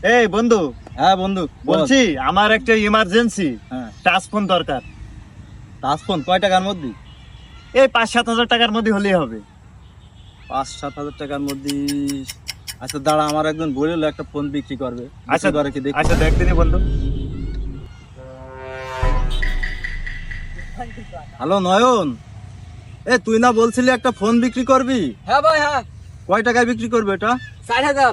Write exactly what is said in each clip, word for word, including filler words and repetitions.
এই বন্ধু, হ্যাঁ বন্ধু বলছি আমার একটা ইমার্জেন্সি হ্যাঁ টাচ ফোন দরকার। টাচ ফোন কয় টাকার মধ্যে? এই পাঁচ সাত হাজার টাকার মধ্যে হলেই হবে। পাঁচ সাত হাজার টাকার মধ্যে? আচ্ছা দাঁড়া, আমার একজন বলল একটা ফোন বিক্রি করবে। আচ্ছা বিক্রি করে কি দেখি। আচ্ছা দেখ দিনি বন্ধু। হ্যালো নয়ন, এ তুই না বলছিলি একটা ফোন বিক্রি করবি? হ্যাঁ ভাই হ্যাঁ, কয় টাকায় বিক্রি করবে এটা? ষাট হাজার।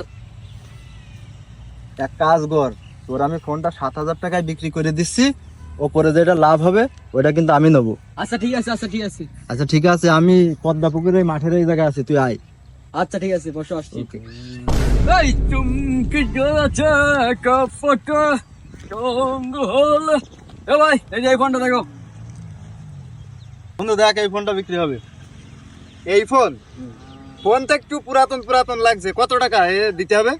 এক কাজ কর, তোর আমি ফোনটা সাত হাজার টাকায় বিক্রি করে দিচ্ছি, ওপরে যেটা লাভ হবে ওটা কিন্তু আমি নেবো। আচ্ছা ঠিক আছে, আচ্ছা ঠিক আছে, আচ্ছা ঠিক আছে, আমি পদ্মা পুকুরের মাঠের এই জায়গায় আছি, তুই আয়। আচ্ছা ঠিক আছে, বসে আসছি। ওকে। এই চুমকি গেছে কাপটা জঙ্গল। এ ভাই, এই যে এই ফোনটা দেখো। বন্ধু দেখ, এই ফোনটা বিক্রি হবে। এই ফোন ফোন তো একটু পুরাতন পুরাতন লাগছে, কত টাকা এ দিতে হবে?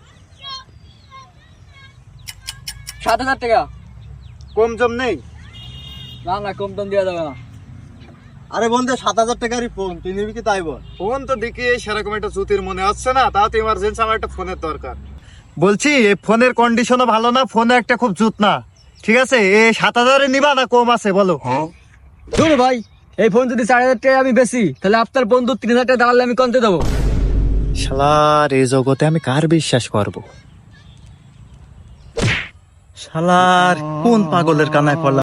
সাত হাজার টাকা। কম জম নেই? না না, কম টম দেওয়া যাবে না। আরে বন্ধু সাত হাজার টাকারই ফোন, তুই নিবি কি তাই বল। ফোন তো দেখি সেরকম একটা জুতির মনে হচ্ছে না, তাও তো ইমার্জেন্সি আমার একটা ফোনের দরকার। বলছি এই ফোনের কন্ডিশনও ভালো না, ফোনে একটা খুব জুত না। ঠিক আছে, এ সাত হাজারে নিবা না কম আছে বলো? ধরো ভাই, এই ফোন যদি চার হাজার টাকা আমি বেশি, তাহলে আপনার বন্ধু তিন হাজার টাকা দাঁড়ালে আমি কমতে দেবো। শালার এই জগতে আমি কার বিশ্বাস করব? শালার কোন পাগলের কানায় পড়লাম।